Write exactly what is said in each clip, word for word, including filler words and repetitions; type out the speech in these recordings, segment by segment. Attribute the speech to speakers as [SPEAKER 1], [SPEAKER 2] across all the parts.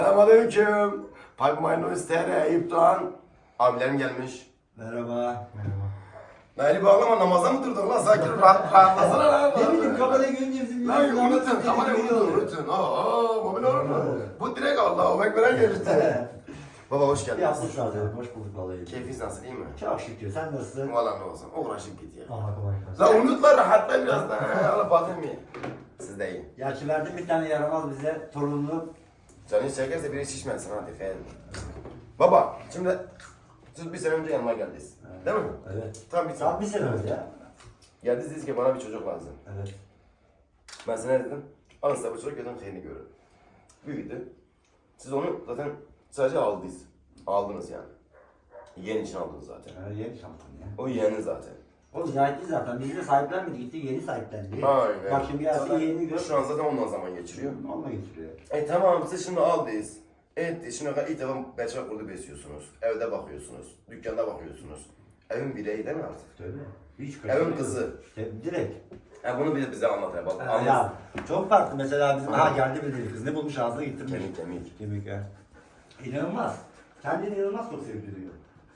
[SPEAKER 1] Selamünaleyküm. Pipe Minus T R Eyüp Doğan. Abilerim gelmiş.
[SPEAKER 2] Merhaba. Merhaba.
[SPEAKER 1] Naili bağlama namaza mı durdun lan? Sakin rahat rahatlasana lan.
[SPEAKER 2] Ne bileyim kamerayı görünce bizim
[SPEAKER 1] Lan unutun, kamerayı unutun, unutun. Aa, mobil olur mu? Bu direkt Allah'a Ekber'e geçti. Baba hoş geldin.
[SPEAKER 2] Yapsın zaten. Hoş bulduk vallahi.
[SPEAKER 1] Keyfiniz nasıl, iyi mi?
[SPEAKER 2] Çok şükür. Sen nasılsın?
[SPEAKER 1] Valla ne olsun, uğraşıp git ya.
[SPEAKER 2] Allah kolaylık versin.
[SPEAKER 1] Lan unut lan, rahatla biraz da. Allah batın bir. Siz de iyi.
[SPEAKER 2] Gerçi verdim bir tane yaramaz bize torunlu.
[SPEAKER 1] Canın çekerse biri şişmesin ha, dikkat edin. Baba, şimdi siz bir sene önce yanıma geldiniz. Değil mi?
[SPEAKER 2] Evet.
[SPEAKER 1] Tam bir
[SPEAKER 2] Tam bir sene önce ya.
[SPEAKER 1] Geldiniz dediniz ki bana bir çocuk lazım.
[SPEAKER 2] Evet.
[SPEAKER 1] Ben sana ne dedim? Alın size bu çocuk götürün seni görün. Büyüdü. Siz onu zaten sadece aldınız. Aldınız yani. Yeğen için aldınız zaten.
[SPEAKER 2] Evet, yeni şampiyon ya.
[SPEAKER 1] O yeğenin zaten.
[SPEAKER 2] O zahitli zaten. Biz de sahiplenmedi. Gitti yeni sahiplendi.
[SPEAKER 1] Aynen.
[SPEAKER 2] Bak şimdi gelsin
[SPEAKER 1] Zaten
[SPEAKER 2] yeni gör.
[SPEAKER 1] Şu an zaten ondan zaman geçiriyor.
[SPEAKER 2] Onunla getiriyor.
[SPEAKER 1] E tamam siz şimdi aldınız. Evet şimdi ilk defa beçak kurdu besliyorsunuz. Evde bakıyorsunuz. Dükkanda bakıyorsunuz. Evin bireyi değil mi artık?
[SPEAKER 2] Tabii. Hiç
[SPEAKER 1] Evin
[SPEAKER 2] kaçırmıyor.
[SPEAKER 1] kızı.
[SPEAKER 2] Tabii, direkt.
[SPEAKER 1] E bunu bir de bize anlat ya. Bak,
[SPEAKER 2] Ha,
[SPEAKER 1] anlat.
[SPEAKER 2] ya çok farklı mesela bizim
[SPEAKER 1] Ha.
[SPEAKER 2] ha geldi bir deli kız ne bulmuş ağzına getirmiş.
[SPEAKER 1] Kemik kemik.
[SPEAKER 2] Kemik ya. İnanılmaz. Kendini inanılmaz çok sevdiriyor.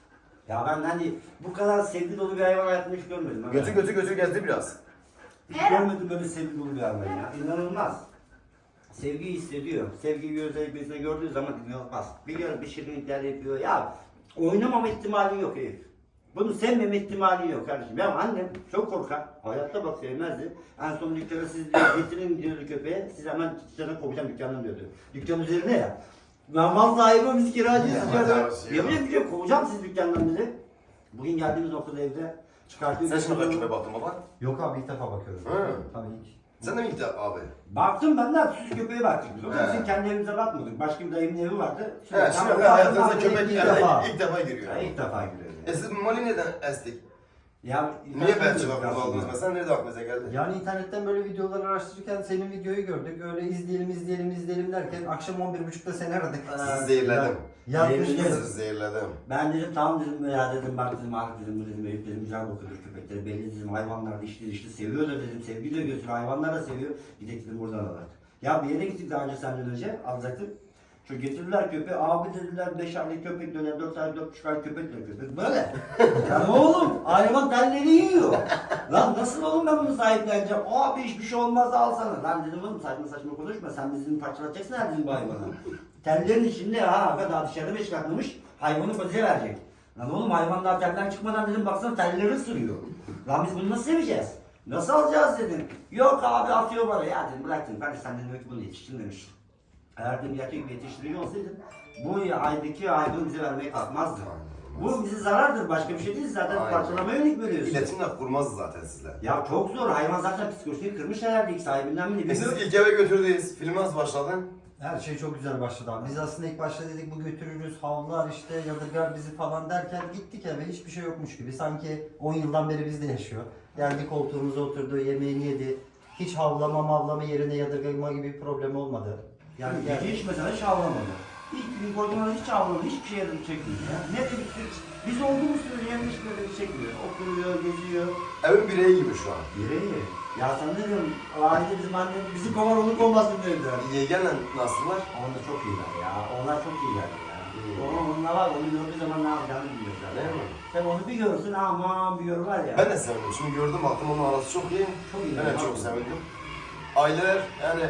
[SPEAKER 2] Ya ben hani bu kadar sevgi dolu bir hayvan hayatımda hiç görmedim. Ben
[SPEAKER 1] Götü götü götü gezdi biraz.
[SPEAKER 2] Hiç görmedim böyle sevgi dolu bir hayvan ya. İnanılmaz. Sevgiyi hissediyor. Sevgiyi özellikle gördüğü zaman inanılmaz. Biliyorum bir şirinlikler yapıyor. Ya oynamama ihtimali yok herif. Bunu sevmeme ihtimali yok kardeşim. Ya annem çok korkar. Hayatta bak sevmezdi. En son dükkana siz diyor, getirin diyordu köpeğe. Siz hemen dükkanı kovacağım dükkandan diyordu. Dükkan üzerine ya. Ben mal sahibi biz kiracıyız. Yemin ediyorum kovacağım siz dükkandan bizi. Bugün geldiğimiz noktada evde çıkartıyor.
[SPEAKER 1] Sen şimdi köpeğe baktın baba.
[SPEAKER 3] Yok abi ilk defa bakıyorum.
[SPEAKER 1] Hı.
[SPEAKER 3] Tabii ilk.
[SPEAKER 1] Sen de mi gittin abi?
[SPEAKER 2] Baktım ben de süs köpeğe baktık. Biz. O da
[SPEAKER 1] He.
[SPEAKER 2] bizim kendi evimize bakmadık. Başka bir dayımın evi vardı.
[SPEAKER 1] He,
[SPEAKER 2] ben
[SPEAKER 1] şimdi
[SPEAKER 2] baktım,
[SPEAKER 1] hayatınıza
[SPEAKER 2] baktım,
[SPEAKER 1] köpek
[SPEAKER 2] ilk
[SPEAKER 1] ilk
[SPEAKER 2] defa.
[SPEAKER 1] defa, ilk defa giriyor.
[SPEAKER 2] Ya ilk defa giriyor.
[SPEAKER 1] E siz Mali neden estik?
[SPEAKER 2] Ya,
[SPEAKER 1] Niye Belçika kurdu aldınız mesela? Nerede aklınıza geldi?
[SPEAKER 3] Yani internetten böyle videolar araştırırken senin videoyu gördük. Öyle izleyelim izleyelim izleyelim derken akşam on bir buçukta seni aradık.
[SPEAKER 1] Sizi zehirledim.
[SPEAKER 3] Yatmıştın.
[SPEAKER 2] Zehirledim.
[SPEAKER 1] Sizi zehirledim.
[SPEAKER 2] Ben dedim tamam dedim ya dedim bak dedim artık dedim bu dedim Eyüp dedim güzel bakıyordur köpekleri belli dedim hayvanlar da işte işte seviyor da dedim sevgi de götürüyor hayvanlar da seviyor gidelim dedim buradan alalım. Ya bir yere gittik daha önce senden önce alacaktık. Şu getirdiler köpeği abi dediler beş aylık köpek döner dört aylık dört buçuk aylık köpek döner köpek böyle. Ya oğlum hayvan telleri yiyor. Lan nasıl oğlum ben bunu sahipleneceğim? Abi hiçbir şey olmaz alsana. Lan dedim oğlum saçma saçma konuşma sen bizim parçalatacaksın her dedim bu hayvanı. Tellerin içinde ha kadar dışarıda beş katlamış hayvanı bize verecek. Lan oğlum hayvan daha telden çıkmadan dedim baksana telleri ısırıyor. Lan biz bunu nasıl seveceğiz? Nasıl alacağız dedim. Yok abi atıyor bana ya dedim bırak dedim kardeş sen dedim ki bunu yetiştin demiş. Eğer dedim gerçek bir yetiştirici olsaydın bu aydaki hayvanı bize vermeye kalkmazdı. Bu bize zarardır başka bir şey değil zaten
[SPEAKER 1] Aynen.
[SPEAKER 2] parçalamaya yönelik veriyorsun.
[SPEAKER 1] İletişimle kurmaz zaten sizler.
[SPEAKER 2] Ya çok zor hayvan zaten psikolojisini kırmış herhalde ilk sahibinden mi ne
[SPEAKER 1] E siz
[SPEAKER 2] bilmiyorum.
[SPEAKER 1] ilk eve götürdünüz. Film nasıl başladı?
[SPEAKER 3] Her şey çok güzel başladı abi. Biz aslında ilk başta dedik bu götürürüz, havlar işte yadırgar bizi falan derken gittik eve hiçbir şey yokmuş gibi. Sanki on yıldan beri bizde yaşıyor. Geldi koltuğumuza oturdu, yemeğini yedi. Hiç havlama mavlama yerine yadırgama gibi bir problem olmadı.
[SPEAKER 2] Yani
[SPEAKER 3] Yani
[SPEAKER 2] gece hiç mesela hiç havlamadı. Hiç gün koyduğumda hiç havlamadı, hiçbir şey yardım çekmiyor ya. Ne de bir biz olduğumuz sürece yani hiç böyle bir çekmiyor. Oturuyor, geziyor.
[SPEAKER 1] Evin bireyi gibi şu an.
[SPEAKER 2] Yüreği. Ya sen ne diyorsun? Aile bizim annem, bizi kovar onu kovmasın dediler.
[SPEAKER 1] Yeğenle nasıllar?
[SPEAKER 2] Onlar çok iyiler ya. Onlar çok iyiler ya.
[SPEAKER 1] İyi.
[SPEAKER 2] Onun onunla var, onu gördüğü zaman ne yapacağını biliyor zaten.
[SPEAKER 1] Değil mi?
[SPEAKER 2] Sen onu bir görsün aman bir yor var ya.
[SPEAKER 1] Ben de sevindim. Şimdi gördüm baktım onun arası çok iyi.
[SPEAKER 2] Çok iyi.
[SPEAKER 1] Ben de çok sevindim. Aileler yani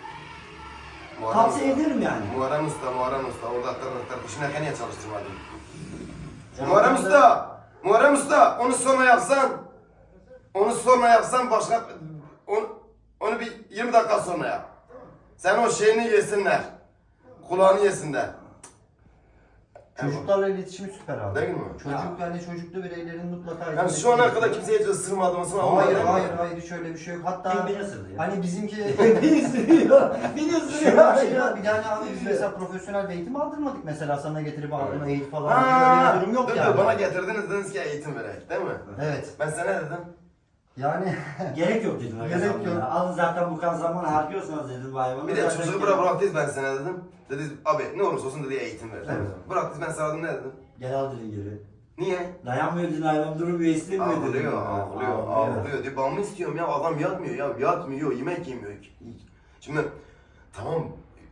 [SPEAKER 2] Tavsiye ederim yani.
[SPEAKER 1] Muharrem Usta, Muharrem Usta. Orada tır tır tır. Şimdi niye çalıştırmadın?
[SPEAKER 2] Ya
[SPEAKER 1] Muharrem
[SPEAKER 2] orada-
[SPEAKER 1] Usta! Muharrem Usta! Onu sonra yapsan, onu sonra yapsan başka, onu, onu bir yirmi dakika sonra yap. Sen o şeyini yesinler. Kulağını yesinler.
[SPEAKER 3] çocuklarla iletişimi süper abi.
[SPEAKER 1] Değil mi?
[SPEAKER 3] Çocuk yani çocuklu bireylerin mutlaka...
[SPEAKER 1] Yani şu ana kadar kimseye hiç ısırmadı mısın?
[SPEAKER 3] Hayır hayır hayır şöyle bir şey yok. Hatta
[SPEAKER 2] Tek beni ısırdı ya.
[SPEAKER 3] hani bizimki...
[SPEAKER 2] Beni ısırıyor. Beni
[SPEAKER 3] Şöyle
[SPEAKER 2] ısırıyor.
[SPEAKER 3] bir şey var. Bir tane abi biz mesela profesyonel bir eğitim aldırmadık mesela sana getirip aldırma eğitim falan.
[SPEAKER 1] Aa,
[SPEAKER 3] Öyle bir durum yok
[SPEAKER 1] dur,
[SPEAKER 3] yani.
[SPEAKER 1] dur, bana getirdiniz dediniz ki eğitim verek değil mi?
[SPEAKER 3] Evet.
[SPEAKER 1] Ben sana ne dedim?
[SPEAKER 3] Yani
[SPEAKER 2] Gerek yok dedim.
[SPEAKER 3] Gerek
[SPEAKER 2] Gerek
[SPEAKER 3] yok.
[SPEAKER 2] yok. Alın zaten bu kadar zaman harcıyorsanız dedim bu hayvanı.
[SPEAKER 1] Bir de
[SPEAKER 2] Zaten
[SPEAKER 1] çocuğu
[SPEAKER 2] gerek-
[SPEAKER 1] bırak bıraktınız ben sana dedim. Dedi abi ne olursa olsun dedi eğitim ver.
[SPEAKER 2] Evet.
[SPEAKER 1] Bıraktınız ben sana dedim ne dedim?
[SPEAKER 2] Gel al dedin geri.
[SPEAKER 1] Niye?
[SPEAKER 2] Dayanmıyor dedin hayvan durmuyor istemiyor dedin.
[SPEAKER 1] Ağlıyor, ağlıyor, ağlıyor. Diyor, babamı istiyorum ya, adam yatmıyor ya, yatmıyor, yemek yemiyor. Şimdi tamam,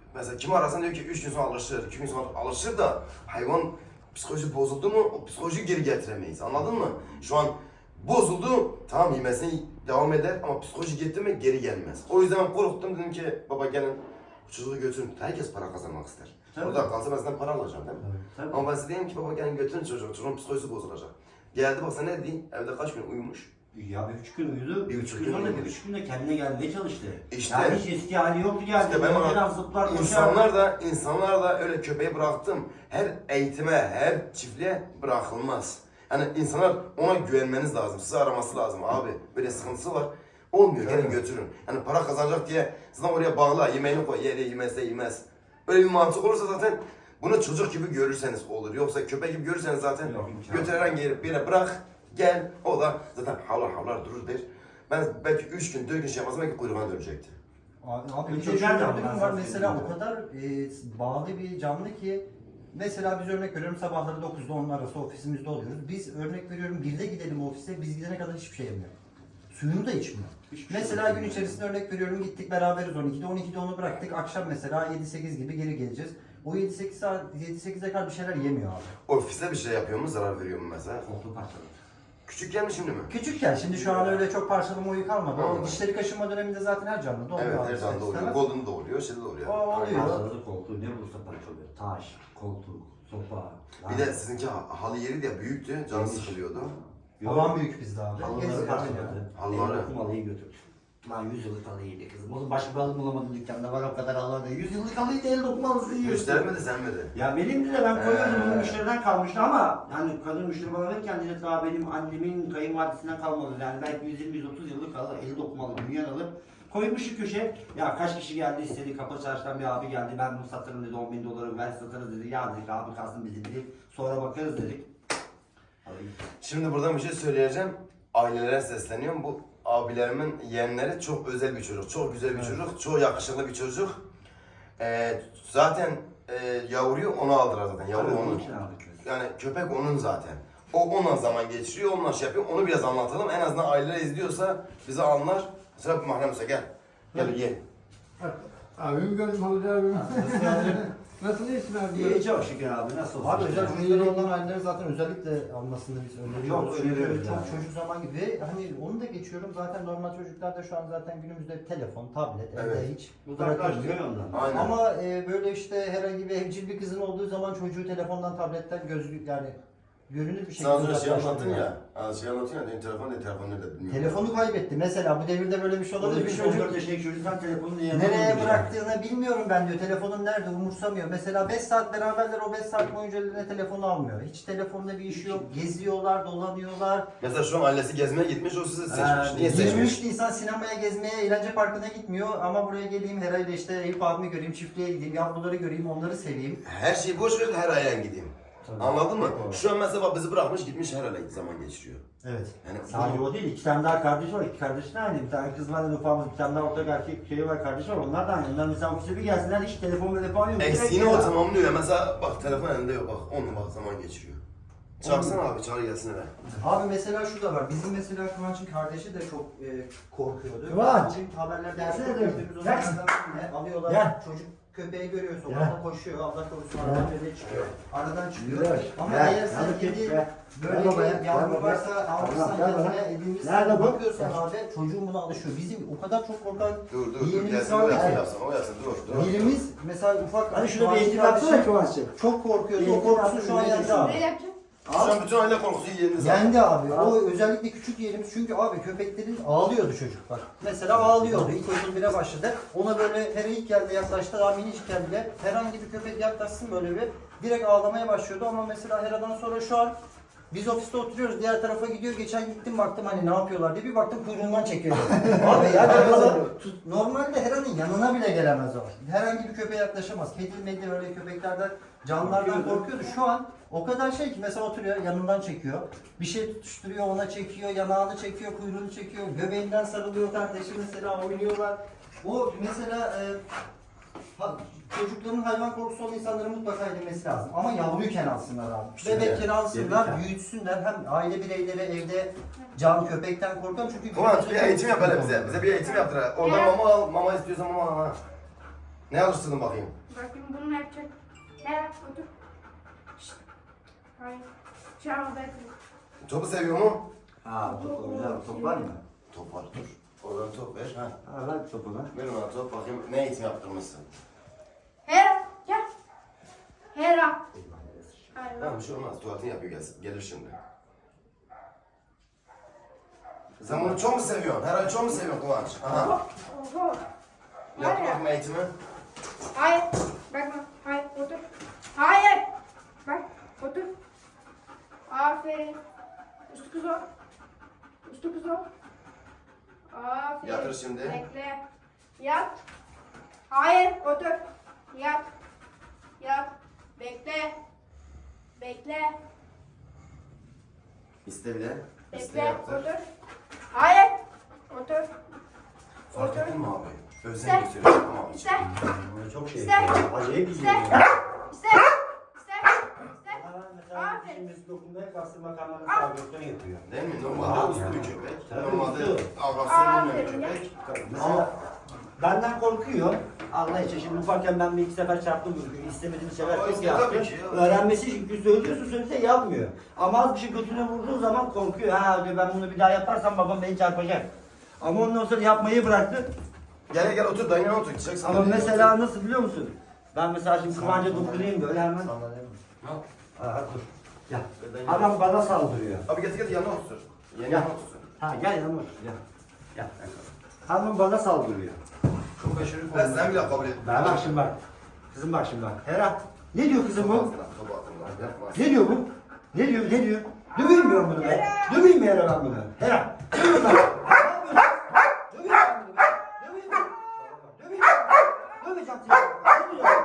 [SPEAKER 1] Mesela kimi arasan diyor ki üç gün sonra alışır, iki gün sonra alışır da hayvan psikoloji bozuldu mu o psikolojiyi geri getiremeyiz. Anladın mı? Şu an bozuldu, tamam yemesine devam eder ama psikoloji gitti mi geri gelmez. O yüzden ben korktum, dedim ki baba gelin çocuğu götürün. Herkes para kazanmak ister.
[SPEAKER 2] Tabii.
[SPEAKER 1] Orada kalsa ben sizden para alacağım değil mi?
[SPEAKER 2] Tabii, tabii.
[SPEAKER 1] Ama ben size diyeyim ki baba gelin götürün çocuğu, çocuğun psikolojisi bozulacak. Geldi bak sen ne dedin? Evde kaç gün uyumuş?
[SPEAKER 2] Ya bir üç gün uyudu,
[SPEAKER 1] Bir
[SPEAKER 2] bir
[SPEAKER 1] üç
[SPEAKER 2] üç
[SPEAKER 1] gün
[SPEAKER 2] gün sonra
[SPEAKER 1] uyudu.
[SPEAKER 2] bir üç günde kendine gelmeye çalıştı.
[SPEAKER 1] İşte-
[SPEAKER 2] yani hiç eski hali yoktu geldi.
[SPEAKER 1] İşte ben ona-
[SPEAKER 2] Biraz zıplar koşar.
[SPEAKER 1] İnsanlar da, insanlar da öyle köpeği bıraktım. Her eğitime, her çiftliğe bırakılmaz. Yani insanlar ona güvenmeniz lazım, sizi araması lazım abi. Böyle sıkıntısı var. Olmuyor, gelin götürün. Yani para kazanacak diye zaten oraya bağla, yemeğini koy, yere yemezse yemez. Böyle bir mantık olursa zaten bunu çocuk gibi görürseniz olur. Yoksa köpek gibi görürseniz zaten
[SPEAKER 2] Yok, imkanı
[SPEAKER 1] götür herhangi bir yere bırak, gel. O da zaten havlar havlar durur der. Ben belki üç gün, dört gün şey yapmazsam belki kuyruğuna dönecekti.
[SPEAKER 3] Abi, abi
[SPEAKER 2] Bir
[SPEAKER 3] bir de
[SPEAKER 2] çocuk
[SPEAKER 3] şöyle
[SPEAKER 2] nereden
[SPEAKER 3] bir durum
[SPEAKER 2] ben
[SPEAKER 3] var.
[SPEAKER 2] sana
[SPEAKER 3] Mesela
[SPEAKER 2] söyleyeyim.
[SPEAKER 3] o kadar e, bağlı bir canlı ki mesela biz örnek veriyorum sabahları dokuzda onun arası ofisimizde oluyoruz. Biz örnek veriyorum birde gidelim ofise, biz gidene kadar hiçbir şey yemiyor. Suyunu da içmiyor.
[SPEAKER 2] Hiçbir şey
[SPEAKER 3] Mesela gün
[SPEAKER 2] yemiyor.
[SPEAKER 3] içerisinde örnek veriyorum gittik beraberiz on ikide, on ikide onu bıraktık. Akşam mesela yedi sekiz gibi geri geleceğiz. O yedi sekiz saat, yedi sekize kadar bir şeyler yemiyor abi.
[SPEAKER 1] Ofiste bir şey yapıyor mu, zarar veriyor mu mesela?
[SPEAKER 2] Koltuğu parçaladı.
[SPEAKER 1] Küçükken mi şimdi mi?
[SPEAKER 3] Küçükken şimdi şu an öyle çok parçalama oyu kalmadı. O
[SPEAKER 1] Anladım.
[SPEAKER 3] dişleri kaşınma döneminde zaten her canlı oluyor.
[SPEAKER 1] Evet,
[SPEAKER 3] abi,
[SPEAKER 1] her zaman da
[SPEAKER 3] ister
[SPEAKER 1] oluyor.
[SPEAKER 3] istemez.
[SPEAKER 1] Golden da oluyor, şey de oluyor.
[SPEAKER 3] O oluyor.
[SPEAKER 2] Parçaladı koltuğu, ne bulursa parçalıyor. Taş, koltuk, sopa.
[SPEAKER 1] Bir de sizinki ha- halı yeri de büyüktü, canı sıkılıyordu.
[SPEAKER 3] Havan büyük bizde abi.
[SPEAKER 2] Halıları
[SPEAKER 3] Geziyor,
[SPEAKER 2] parçaladı.
[SPEAKER 1] Halıları.
[SPEAKER 2] Halıları. Halıyı götürdü. Lan yüz yıllık halıydı kızım. Oğlum başka bir halı bulamadım dükkanda, var o kadar halı da. yüz yıllık halıyı da el dokunmalısı yiyorsun.
[SPEAKER 1] Göstermedi sen mi de?
[SPEAKER 2] Ya benim de ben koyuyordum,
[SPEAKER 1] Ee.
[SPEAKER 2] bunu müşteriden kalmıştı ama yani kadın müşteri bana verirken dedi daha benim annemin kayınvalidesinden kalmadı. Yani belki yüz yirmi yüz otuz yıllık halı, eli dokunmalı, dünya halı. Koymuşu köşe. Ya kaç kişi geldi istedi, Kapalı Çarşı'dan bir abi geldi, ben bunu satarım dedi, on bin doları ver satarız dedi. Ya dedik abi kalsın bizi dedik, sonra bakarız dedik. Halıyı.
[SPEAKER 1] Şimdi buradan bir şey söyleyeceğim. Ailelere sesleniyorum. Bu abilerimin yeğenleri çok özel bir çocuk. Çok güzel bir çocuk. Çok yakışıklı bir çocuk. Ee, zaten e, yavruyu ona aldılar zaten. Yavru
[SPEAKER 2] Tabii,
[SPEAKER 1] onun.
[SPEAKER 2] için aldık biz.
[SPEAKER 1] Yani köpek onun zaten. O onunla zaman geçiriyor, onunla şey yapıyor. Onu biraz anlatalım. En azından aileler izliyorsa bizi anlar. Mesela Mahrem Usta gel. Gel ye.
[SPEAKER 4] Abim gördüm Hamdi abim. Nasıl iyisin abi?
[SPEAKER 2] İyi çok şükür abi, nasıl olsun?
[SPEAKER 3] Abi özel
[SPEAKER 2] işte.
[SPEAKER 3] çocukları olan aileleri zaten özellikle almasını biz öneriyoruz.
[SPEAKER 2] Çok
[SPEAKER 3] Çünkü
[SPEAKER 2] öneriyoruz
[SPEAKER 3] çok
[SPEAKER 2] yani.
[SPEAKER 3] çocuk zaman gibi ve hani onu da geçiyorum zaten normal çocuklarda şu an zaten günümüzde telefon, tablet, evde
[SPEAKER 1] Evet.
[SPEAKER 3] hiç
[SPEAKER 2] Uzaklaştırıyor
[SPEAKER 3] bırakılmıyor.
[SPEAKER 2] ondan.
[SPEAKER 1] Aynen.
[SPEAKER 3] Ama e, böyle işte herhangi bir evcil bir kızın olduğu zaman çocuğu telefondan, tabletten göz yani görünür bir şekilde
[SPEAKER 1] Sana sonra şey anlattın
[SPEAKER 3] uzaklaştırıyor.
[SPEAKER 1] ya. Ha, şey anlattın ya. Benim telefon ne telefon nerede bilmiyorum.
[SPEAKER 3] Telefonu kaybetti. Mesela bu devirde böyle bir şey olabilir.
[SPEAKER 2] Orada
[SPEAKER 3] Bir
[SPEAKER 2] bir
[SPEAKER 3] çocuk
[SPEAKER 2] çocuk yaşındaki çocuk sen telefonunu yanına
[SPEAKER 3] nereye
[SPEAKER 2] koymuş.
[SPEAKER 3] bıraktığını bilmiyorum ben diyor. Telefonun nerede umursamıyor. Mesela beş saat beraberler, o beş saat boyunca eline telefonu almıyor. Hiç telefonda bir işi yok. Geziyorlar, dolanıyorlar.
[SPEAKER 1] Mesela şu an ailesi gezmeye gitmiş, o sizi seçmiş.
[SPEAKER 3] Ee,
[SPEAKER 1] Niye
[SPEAKER 3] yirmi üç
[SPEAKER 1] seçmiş?
[SPEAKER 3] Nisan sinemaya gezmeye, eğlence parkına gitmiyor ama buraya geleyim herhalde işte Eyüp abimi göreyim, çiftliğe gideyim, yavruları göreyim, onları seveyim.
[SPEAKER 1] Her şeyi boş ver, her ayağın gideyim.
[SPEAKER 2] Tabii.
[SPEAKER 1] Anladın mı?
[SPEAKER 2] Doğru.
[SPEAKER 1] Şu an mesela bak bizi bırakmış gitmiş her ayağın zaman geçiriyor.
[SPEAKER 3] Evet.
[SPEAKER 1] Yani
[SPEAKER 2] Sadece o değil, iki tane daha kardeş var. İki kardeş de aynı. Bir tane kız var, ufamız, bir tane daha ortak erkek şeyi var, kardeşi var. Onlar da aynı. Onlar mesela ofise bir gelsinler, hiç telefon ve telefon yok.
[SPEAKER 1] eksiğini
[SPEAKER 2] Direkt
[SPEAKER 1] o
[SPEAKER 2] ya.
[SPEAKER 1] tamamlıyor. Mesela bak telefon elinde yok bak. Onunla bak zaman geçiriyor. Çağırsana abi, çağır gelsin eve.
[SPEAKER 3] Abi mesela şu da var. Bizim mesela Kıvanç'ın kardeşi de çok e, korkuyordu.
[SPEAKER 2] Kıvanç!
[SPEAKER 3] Bugün haberlerde
[SPEAKER 2] Gelsene
[SPEAKER 3] çok
[SPEAKER 2] de.
[SPEAKER 3] gördüğümüz
[SPEAKER 2] Gel.
[SPEAKER 3] olaylardan birine alıyorlar.
[SPEAKER 2] Gel.
[SPEAKER 3] Çocuk köpeği görüyor
[SPEAKER 2] Gel.
[SPEAKER 3] sokakta koşuyor. Allah korusun aradan böyle çıkıyor. Aradan çıkıyor.
[SPEAKER 2] Gel.
[SPEAKER 3] Ama
[SPEAKER 2] Gel.
[SPEAKER 3] eğer sen
[SPEAKER 2] Hadi git,
[SPEAKER 3] kedi
[SPEAKER 2] gel.
[SPEAKER 3] böyle
[SPEAKER 2] Gel babaya,
[SPEAKER 3] bir
[SPEAKER 2] gel
[SPEAKER 3] yavru
[SPEAKER 2] babaya.
[SPEAKER 3] varsa almışsan
[SPEAKER 2] Gel babaya.
[SPEAKER 3] kendine edinmişsen
[SPEAKER 2] Nerede bu?
[SPEAKER 3] bakıyorsan abi çocuğun buna alışıyor. Bizim o kadar çok korkan
[SPEAKER 1] Dur dur dur
[SPEAKER 3] yeğenimiz
[SPEAKER 1] gelsin o
[SPEAKER 3] var
[SPEAKER 1] yapsın
[SPEAKER 3] ki.
[SPEAKER 1] yapsın o yapsın dur dur.
[SPEAKER 3] Birimiz mesela ufak
[SPEAKER 2] Hadi şurada bir
[SPEAKER 3] Kıvanç'ın
[SPEAKER 2] eğitim yapsana
[SPEAKER 3] kardeşi
[SPEAKER 2] Kıvanç'cığım.
[SPEAKER 3] çok korkuyordu.
[SPEAKER 2] Bir
[SPEAKER 3] O
[SPEAKER 2] eğitim
[SPEAKER 3] korkusunu şu an
[SPEAKER 2] yapsana,
[SPEAKER 3] yendi abi.
[SPEAKER 5] Ne yapacağım?
[SPEAKER 1] Şu an bütün aile korkusu yeriniz var.
[SPEAKER 3] Yendi abi. O özellikle küçük yerimiz çünkü abi köpeklerin ağlıyordu çocuk bak. Mesela ağlıyordu. İlk okul bire başladı. Ona böyle her ilk geldi yaklaştı. Daha minicik bile herhangi bir köpek yaklaşsın böyle bir direkt ağlamaya başlıyordu ama mesela Hera'dan sonra şu an biz ofiste oturuyoruz, diğer tarafa gidiyor. Geçen gittim baktım hani ne yapıyorlar diye bir baktım kuyruğundan çekiyor. Abi ya tut- normalde Hera'nın yanına bile gelemez o. Herhangi bir köpeğe yaklaşamaz. Kedi, medya öyle köpeklerden, canlılardan korkuyordu. Şu an o kadar şey ki mesela oturuyor yanından çekiyor. Bir şey tutuşturuyor ona çekiyor, yanağını çekiyor, kuyruğunu çekiyor, göbeğinden sarılıyor kardeşi mesela oynuyorlar. O mesela e, ha- çocukların hayvan korkusu olan insanların mutlaka edilmesi lazım. Ama yavruyken alsınlar abi.
[SPEAKER 1] Şimdi,
[SPEAKER 3] Bebekken alsınlar,
[SPEAKER 2] bebekken.
[SPEAKER 3] büyütsünler. Hem aile bireyleri evde can köpekten korkan çünkü...
[SPEAKER 1] Kıvanç bir eğitim yap hele bize. Bize bir eğitim yaptır. Orada mama al, mama istiyorsan mama al. ha. Ne alıştırdın bakayım?
[SPEAKER 5] Bakayım bunu ne yapacak? Her otur. Şşt. Hayır. Şu an odaya kırıyor.
[SPEAKER 1] Topu seviyor mu?
[SPEAKER 2] Ha top güzel top var mı?
[SPEAKER 1] Top var dur. Oradan top ver. Ha.
[SPEAKER 2] Ha ver topu lan.
[SPEAKER 1] Ver bana top bakayım ne eğitim yaptırmışsın.
[SPEAKER 5] Hera gel. Hera. Hayır.
[SPEAKER 1] Tamam bir şey olmaz tuvaletini yapıyor gelsin. Gelir şimdi. Sen bunu çok mu seviyorsun? Herhalde çok mu seviyorsun Kıvanç? Aha.
[SPEAKER 5] Oho.
[SPEAKER 1] Yap
[SPEAKER 5] Hayır.
[SPEAKER 1] bakayım eğitimi.
[SPEAKER 5] Hayır. Bakma. Hayır. Otur. Hayır. Bak. Otur. Aferin. Üstü kız ol. Üstü kız ol. Aferin.
[SPEAKER 1] Yatır şimdi.
[SPEAKER 5] Bekle. Yat. Hayır. Otur. Yat. Yat. Bekle. Bekle.
[SPEAKER 1] İste bir de. İste
[SPEAKER 5] Bekle.
[SPEAKER 1] yaptır.
[SPEAKER 5] Otur. Hayır. Otur.
[SPEAKER 1] Fark
[SPEAKER 5] Otur.
[SPEAKER 1] ettin mi abi? Özen
[SPEAKER 5] İste.
[SPEAKER 1] gösteriyor tamam.
[SPEAKER 5] İste.
[SPEAKER 2] Böyle çok şey
[SPEAKER 5] İşte.
[SPEAKER 2] yapıyor. Acayip
[SPEAKER 5] İste.
[SPEAKER 2] izliyor.
[SPEAKER 5] İste. İste. İste.
[SPEAKER 2] Ha, mesela
[SPEAKER 5] Aferin.
[SPEAKER 2] şimdi dokunmaya kalksın makarnanın sabitlerini yapıyor.
[SPEAKER 1] Değil mi? Normalde
[SPEAKER 2] Abi
[SPEAKER 1] uslu
[SPEAKER 2] ya.
[SPEAKER 1] bir köpek.
[SPEAKER 2] Tabii
[SPEAKER 1] Normalde
[SPEAKER 2] uslu.
[SPEAKER 1] avrasyon bilmeyen bir
[SPEAKER 5] Aferin ya.
[SPEAKER 1] köpek.
[SPEAKER 2] Mesela benden korkuyor. Allah için şimdi ufakken ben bir iki sefer çarptım çünkü istemediğim sefer
[SPEAKER 1] Ama
[SPEAKER 2] çok
[SPEAKER 1] işte
[SPEAKER 2] yaptı.
[SPEAKER 1] tabii ki ya.
[SPEAKER 2] Öğrenmesi çünkü söylüyorsun söylese yapmıyor. Ama az bir şey götüne vurduğu zaman korkuyor. Ha diyor ben bunu bir daha yaparsam babam beni çarpacak. Ama ondan sonra yapmayı bıraktı.
[SPEAKER 1] Gel gel otur dayına otur. Gideceksin.
[SPEAKER 2] Ama
[SPEAKER 1] Dayına
[SPEAKER 2] mesela
[SPEAKER 1] otur.
[SPEAKER 2] nasıl biliyor musun? Ben mesela şimdi Kıvanç'a dokunayım böyle hemen.
[SPEAKER 1] Ha.
[SPEAKER 2] Aa, dur. Gel. Adam bana saldırıyor.
[SPEAKER 1] Abi getir getir yanına otur. Yeni
[SPEAKER 2] Ya.
[SPEAKER 1] yanına otur.
[SPEAKER 2] Ha gel yanıma otur. Gel. Gel. Hanım bana saldırıyor.
[SPEAKER 1] Çok aşırı Ben sen bile kabul etmiyorum.
[SPEAKER 2] Ben bak şimdi bak. Kızım bak şimdi bak. Hera. Ne diyor kızım bu?
[SPEAKER 1] Topu atın lan, yapma.
[SPEAKER 2] Ne diyor bu? Ne diyor? Ne diyor? Döveyim mi ben bunu be? Döveyim mi Hera ben bunu? Hera. Döveyim lan. Ne yapıyorsun? Döveyim ben bunu be. Döveyim mi? Döveyim mi? Döveceğim seni. Döveceğim.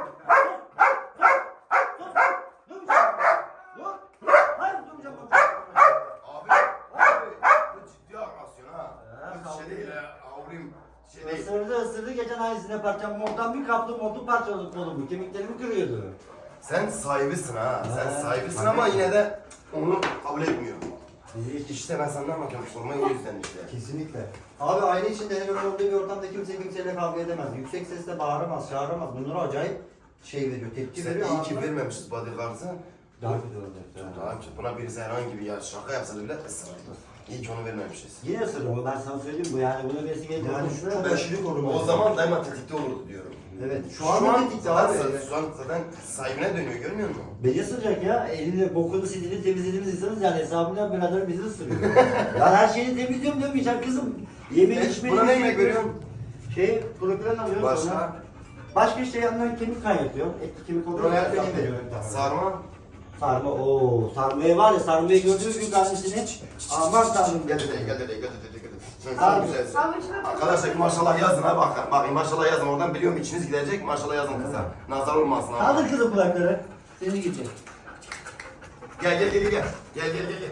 [SPEAKER 2] Dur. Dur. Döveceğim. Dur. Hayır döveceğim ben.
[SPEAKER 1] Abi, abi bu ciddi agresyon ha. Bu şey değil ha. Avrim şey değil.
[SPEAKER 2] Isırdı ısırdı geçen ay size parçam montan bir kaptım montu parçaladı kolumu. Kemiklerimi kırıyordu.
[SPEAKER 1] Sen sahibisin ha. Sen
[SPEAKER 2] Ha,
[SPEAKER 1] sahibisin
[SPEAKER 2] tabii.
[SPEAKER 1] ama yine de onu kabul etmiyor.
[SPEAKER 2] Bizi
[SPEAKER 1] İşte ben senden bakıyorum sormayı o yüzden işte.
[SPEAKER 3] Kesinlikle. Abi aile içinde hele böyle olduğu bir ortamda kimse kimseyle kavga edemez. Yüksek sesle bağıramaz, çağıramaz. Bunlara acayip şey veriyor, tepki
[SPEAKER 1] Sen
[SPEAKER 3] veriyor.
[SPEAKER 1] iyi ki
[SPEAKER 3] Ağzına-
[SPEAKER 1] vermemişiz bodyguard'ı.
[SPEAKER 2] daha kötü olacak.
[SPEAKER 1] Daha ki buna birisi herhangi bir ya şaka yapsa bile ısırır. İyi ki onu vermemişiz.
[SPEAKER 2] Yine ısırır ben sana söyleyeyim bu yani bunu birisi gelince
[SPEAKER 3] Yani
[SPEAKER 2] konuşuyor.
[SPEAKER 3] çok aşırı koruma.
[SPEAKER 1] O zaman daima tetikte olurdu diyorum.
[SPEAKER 3] Evet, şu an da tetikte
[SPEAKER 1] zaten,
[SPEAKER 3] abi.
[SPEAKER 1] Şu an zaten sahibine dönüyor görmüyor musun?
[SPEAKER 2] Beni ısıracak ya. Elini bokunu silini temizlediğimiz insanız yani hesabından birader bizi ısırıyor. ya her şeyi temizliyorum demeyeceğim kızım. Yemeği
[SPEAKER 1] E,
[SPEAKER 2] içmeyi...
[SPEAKER 1] buna ne yemek veriyorsun?
[SPEAKER 2] Şey, propilen alıyorum
[SPEAKER 1] Başka?
[SPEAKER 2] sonra. Başka işte yanından kemik kaynatıyorum. Etli kemik oluyor.
[SPEAKER 1] Buraya
[SPEAKER 2] Propilen veriyorum.
[SPEAKER 1] sarma.
[SPEAKER 2] Sarma, ooo. Sarmayı var ya, sarmayı gördüğünüz gün annesini. Aman tanrım.
[SPEAKER 1] Gel dedi, gel dedi, gel dedi, gel dedi. Sen
[SPEAKER 2] Abi.
[SPEAKER 1] çok güzelsin.
[SPEAKER 5] Savaşına
[SPEAKER 1] Arkadaşlar maşallah yazın ha bakın. Bakın maşallah yazın oradan biliyorum içiniz gidecek maşallah yazın kıza. Nazar olmasın ha.
[SPEAKER 2] Kaldır kızım kulakları. Seni gidecek.
[SPEAKER 1] Gel gel gel gel. Gel gel gel gel.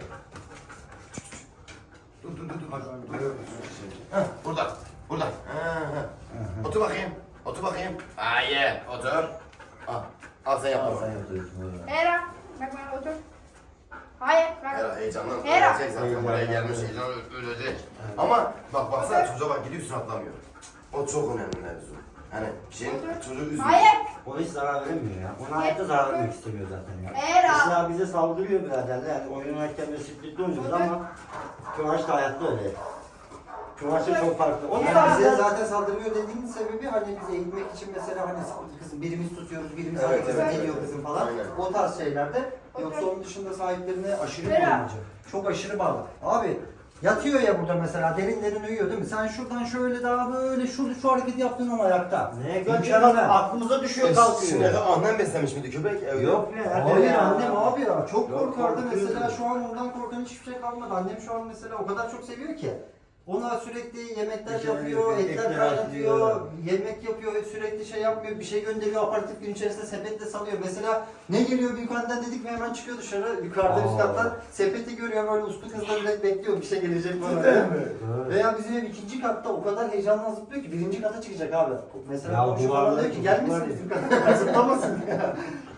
[SPEAKER 1] Dur dur dur dur. Heh, burada. Burada. Ha, ha. Otur bakayım. Otur bakayım. Hayır. Otur. Al. Al sen yap.
[SPEAKER 2] Al
[SPEAKER 1] bunu.
[SPEAKER 2] sen yapıyorsun.
[SPEAKER 5] Hera. Bak bana otur. Hayır. Bak.
[SPEAKER 1] Hera heyecandan
[SPEAKER 5] Hera.
[SPEAKER 1] ölecek zaten buraya gelmiş heyecan ö- ölecek. Ama bak baksana çocuğa bak gidiyorsun atlamıyor. O çok önemli mevzu. Hani şeyin çocuğu üzülüyor.
[SPEAKER 5] Hayır.
[SPEAKER 2] O hiç zarar veremiyor ya. Ona hayatta zarar vermek istemiyor zaten ya.
[SPEAKER 5] Era.
[SPEAKER 2] Mesela bize saldırıyor biraderler. Yani oyun oynarken böyle spritli oynuyoruz ama Kıvanç da hayatta öyle. Kıvanç'ta çok farklı. Onu
[SPEAKER 3] Yani
[SPEAKER 2] da
[SPEAKER 3] bize
[SPEAKER 2] bize
[SPEAKER 3] zaten saldırıyor dediğin sebebi hani biz eğitmek için mesela hani kızım birimiz tutuyoruz, birimiz
[SPEAKER 1] Evet,
[SPEAKER 3] arkasına
[SPEAKER 1] evet,
[SPEAKER 3] geliyor
[SPEAKER 1] evet.
[SPEAKER 3] kızım falan.
[SPEAKER 1] Aynen.
[SPEAKER 3] O tarz şeylerde. Yoksa
[SPEAKER 5] Otur.
[SPEAKER 3] onun dışında sahiplerine aşırı
[SPEAKER 5] Vera.
[SPEAKER 3] korumacı. Çok aşırı bağlı. Abi yatıyor ya burada mesela derin derin uyuyor değil mi? Sen şuradan şöyle daha böyle şu şu hareketi yaptın ama ayakta.
[SPEAKER 2] ne
[SPEAKER 3] Mükemmel.
[SPEAKER 2] gördüğünüz aklımıza düşüyor
[SPEAKER 1] Şimdi
[SPEAKER 2] kalkıyor.
[SPEAKER 1] de annem beslemiş miydi köpek? Evet.
[SPEAKER 2] Yok ne?
[SPEAKER 3] Hayır annem abi ya çok
[SPEAKER 2] Yok,
[SPEAKER 3] korkardı
[SPEAKER 2] korkuyordu.
[SPEAKER 3] mesela şu an ondan korkan hiçbir şey kalmadı. Annem şu an mesela o kadar çok seviyor ki. Ona sürekli yemekler
[SPEAKER 2] Bir şey
[SPEAKER 3] yapıyor,
[SPEAKER 2] yapıyor,
[SPEAKER 3] etler
[SPEAKER 2] etler
[SPEAKER 3] kaynatıyor,
[SPEAKER 2] atıyor.
[SPEAKER 3] yemek yapıyor, sürekli şey yapmıyor, bir şey gönderiyor, aparatif gün içerisinde sepetle salıyor. Mesela ne geliyor büyük anneden dedik mi hemen çıkıyor dışarı, yukarıda üst
[SPEAKER 2] Aa.
[SPEAKER 3] kattan sepeti görüyor böyle uslu kızla direkt bekliyor bir şey gelecek bana.
[SPEAKER 1] Cidden mi?
[SPEAKER 3] Veya bizim ev ikinci katta o kadar heyecanla zıplıyor ki birinci kata çıkacak abi. Mesela
[SPEAKER 2] Ya
[SPEAKER 3] komşu
[SPEAKER 2] bu
[SPEAKER 3] falan
[SPEAKER 2] arada
[SPEAKER 3] diyor ki
[SPEAKER 2] çok
[SPEAKER 3] gelmesin
[SPEAKER 2] var.
[SPEAKER 3] bizim kata, zıplamasın ya.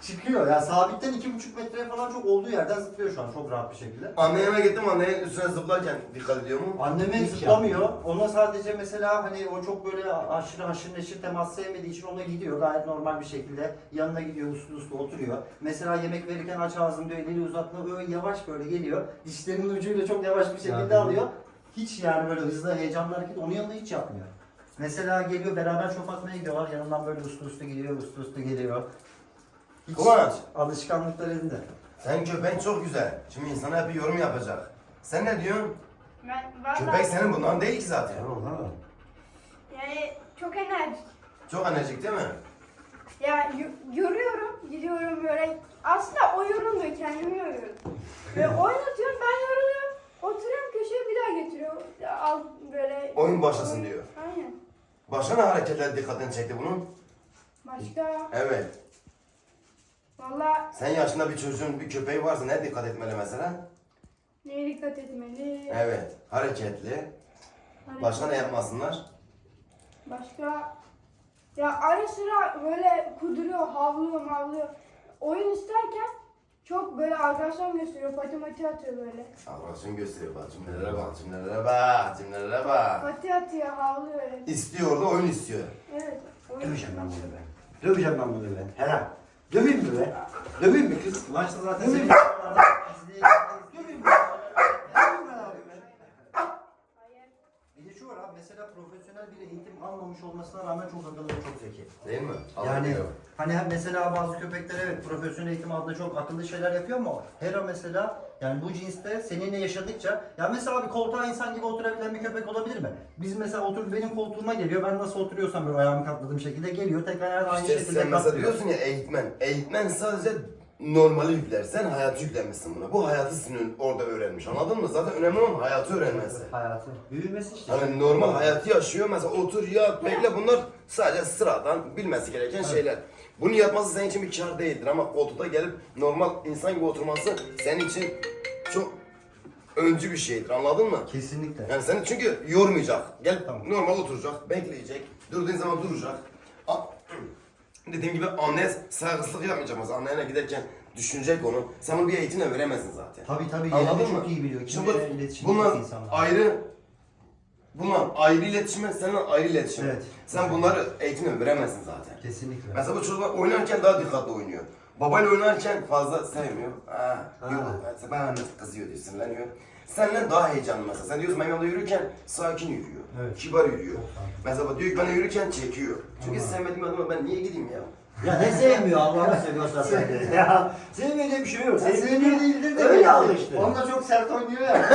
[SPEAKER 3] çıkıyor. Yani sabitten iki buçuk metreye falan çok olduğu yerden zıplıyor şu an çok rahat bir şekilde.
[SPEAKER 1] Anneme gittim, annenin üstüne zıplarken dikkat ediyor mu?
[SPEAKER 3] Anneme
[SPEAKER 2] Hiç
[SPEAKER 3] zıplamıyor. Ona sadece mesela hani o çok böyle aşırı haşır neşir temas sevmediği için ona gidiyor. Gayet normal bir şekilde yanına gidiyor, uslu uslu oturuyor. Mesela yemek verirken aç ağzını diyor, elini uzatma böyle yavaş böyle geliyor. Dişlerinin ucuyla çok yavaş bir şekilde
[SPEAKER 2] Ya,
[SPEAKER 3] alıyor. Hiç yani böyle hızlı heyecanlı hareket onun yanında hiç yapmıyor. Mesela geliyor beraber çöp atmaya gidiyorlar. Yanından böyle uslu uslu gidiyor, uslu uslu geliyor. Hiç
[SPEAKER 1] Kıvanç.
[SPEAKER 3] alışkanlıklar elinde.
[SPEAKER 1] Sen köpeğin çok güzel. Şimdi insana hep bir yorum yapacak. Sen ne diyorsun?
[SPEAKER 5] Ben vallahi
[SPEAKER 1] Köpek senin bundan değil ki zaten.
[SPEAKER 2] Tamam ha.
[SPEAKER 5] yani çok enerjik.
[SPEAKER 1] Çok enerjik değil mi?
[SPEAKER 5] Ya y- yoruyorum, gidiyorum böyle. Aslında o yorulmuyor, kendimi yoruyorum. Ve oynatıyorum, ben yoruluyorum. Oturuyorum köşeye bir daha getiriyor. Al böyle.
[SPEAKER 1] Oyun başlasın diyor.
[SPEAKER 5] Aynen.
[SPEAKER 1] Başka ne hareketler dikkatini çekti bunun?
[SPEAKER 5] Başka.
[SPEAKER 1] Evet.
[SPEAKER 5] Valla
[SPEAKER 1] Sen yaşında bir çocuğun bir köpeği varsa ne dikkat etmeli mesela?
[SPEAKER 5] neye dikkat etmeli?
[SPEAKER 1] Evet. Hareketli. Başka ne yapmasınlar?
[SPEAKER 5] Başka. Ya ara sıra böyle kuduruyor, havlıyor, mavlıyor. Oyun isterken çok böyle arkadaşlarım gösteriyor, pati mati atıyor böyle.
[SPEAKER 1] Arkadaşın gösteriyor bak cümlelere bak, cümlelere bak, cümlelere bak.
[SPEAKER 5] Pati atıyor, havlıyor öyle.
[SPEAKER 1] İstiyor da oyun istiyor.
[SPEAKER 5] Evet. Oyun
[SPEAKER 2] Döveceğim ben bunu be. Döveceğim ben bunu be. Helal. Döveyim mi be? Döveyim mi kız?
[SPEAKER 3] Maçta zaten
[SPEAKER 2] Döveyim
[SPEAKER 3] seni
[SPEAKER 2] mi? Döveyim mi? Döveyim mi abi be?
[SPEAKER 5] Hayır.
[SPEAKER 3] Bir de şu var abi mesela profesyonel bir eğitim almamış olmasına rağmen çok akıllı ve çok zeki.
[SPEAKER 1] Değil mi?
[SPEAKER 3] Yani
[SPEAKER 1] Anlıyor.
[SPEAKER 3] hani hem mesela bazı köpekler evet profesyonel eğitim adına çok akıllı şeyler yapıyor ama Hera mesela yani bu cinste seninle yaşadıkça ya mesela abi koltuğa insan gibi oturabilen bir köpek olabilir mi? Biz mesela otur benim koltuğuma geliyor ben nasıl oturuyorsam böyle ayağımı katladığım şekilde geliyor tekrar aynı
[SPEAKER 1] İşte
[SPEAKER 3] şekilde
[SPEAKER 1] sen mesela
[SPEAKER 3] katlıyor.
[SPEAKER 1] diyorsun ya eğitmen. Eğitmen sadece normali yükler. Sen hayatı yüklemişsin buna. Bu hayatı senin orada öğrenmiş. Anladın mı? Zaten önemli olan hayatı öğrenmesi.
[SPEAKER 3] Hayatı.
[SPEAKER 2] Büyümesi işte.
[SPEAKER 1] Hani normal hayatı yaşıyor. Mesela otur, yat, bekle. Bunlar sadece sıradan bilmesi gereken şeyler. Bunu yapması senin için bir kar değildir ama koltukta gelip normal insan gibi oturması senin için çok öncü bir şeydir. Anladın mı?
[SPEAKER 3] Kesinlikle.
[SPEAKER 1] Yani seni çünkü yormayacak. Gel
[SPEAKER 3] Tamam.
[SPEAKER 1] normal oturacak, bekleyecek. Durduğun zaman duracak. A- Dediğim gibi anne saygısızlık yapmayacak mesela. Annene giderken düşünecek onu. Sen bunu bir eğitimle veremezsin zaten.
[SPEAKER 3] Tabii tabii
[SPEAKER 1] Anladın
[SPEAKER 3] yerini
[SPEAKER 1] mı?
[SPEAKER 3] çok iyi biliyor.
[SPEAKER 1] Şimdi
[SPEAKER 3] Kimle iletişim
[SPEAKER 1] bunlar
[SPEAKER 3] çok insanlar.
[SPEAKER 1] ayrı bunlar ayrı iletişime, senin ayrı iletişime.
[SPEAKER 3] Evet.
[SPEAKER 1] Sen bunları eğitimle veremezsin zaten.
[SPEAKER 3] Kesinlikle.
[SPEAKER 1] Mesela bu çocuklar oynarken daha dikkatli oynuyor. Babayla oynarken fazla sevmiyor. Ha, yok, ben kızıyor diyor, sinirleniyor. Seninle daha heyecanlı mesela. Sen diyorsun ben yolda yürürken sakin yürüyor.
[SPEAKER 3] Evet.
[SPEAKER 1] Kibar yürüyor. Mesela diyor ki ben yürürken çekiyor. Çünkü sevmediğim adama ben niye gideyim ya?
[SPEAKER 2] Ya ne sevmiyor Allah'ını seviyorsan sen. Ya sevmediğim bir şey yok.
[SPEAKER 3] Sevdiğini değildir de
[SPEAKER 2] öyle
[SPEAKER 3] belki.
[SPEAKER 2] alıştı.
[SPEAKER 3] Onunla çok sert oynuyor ya.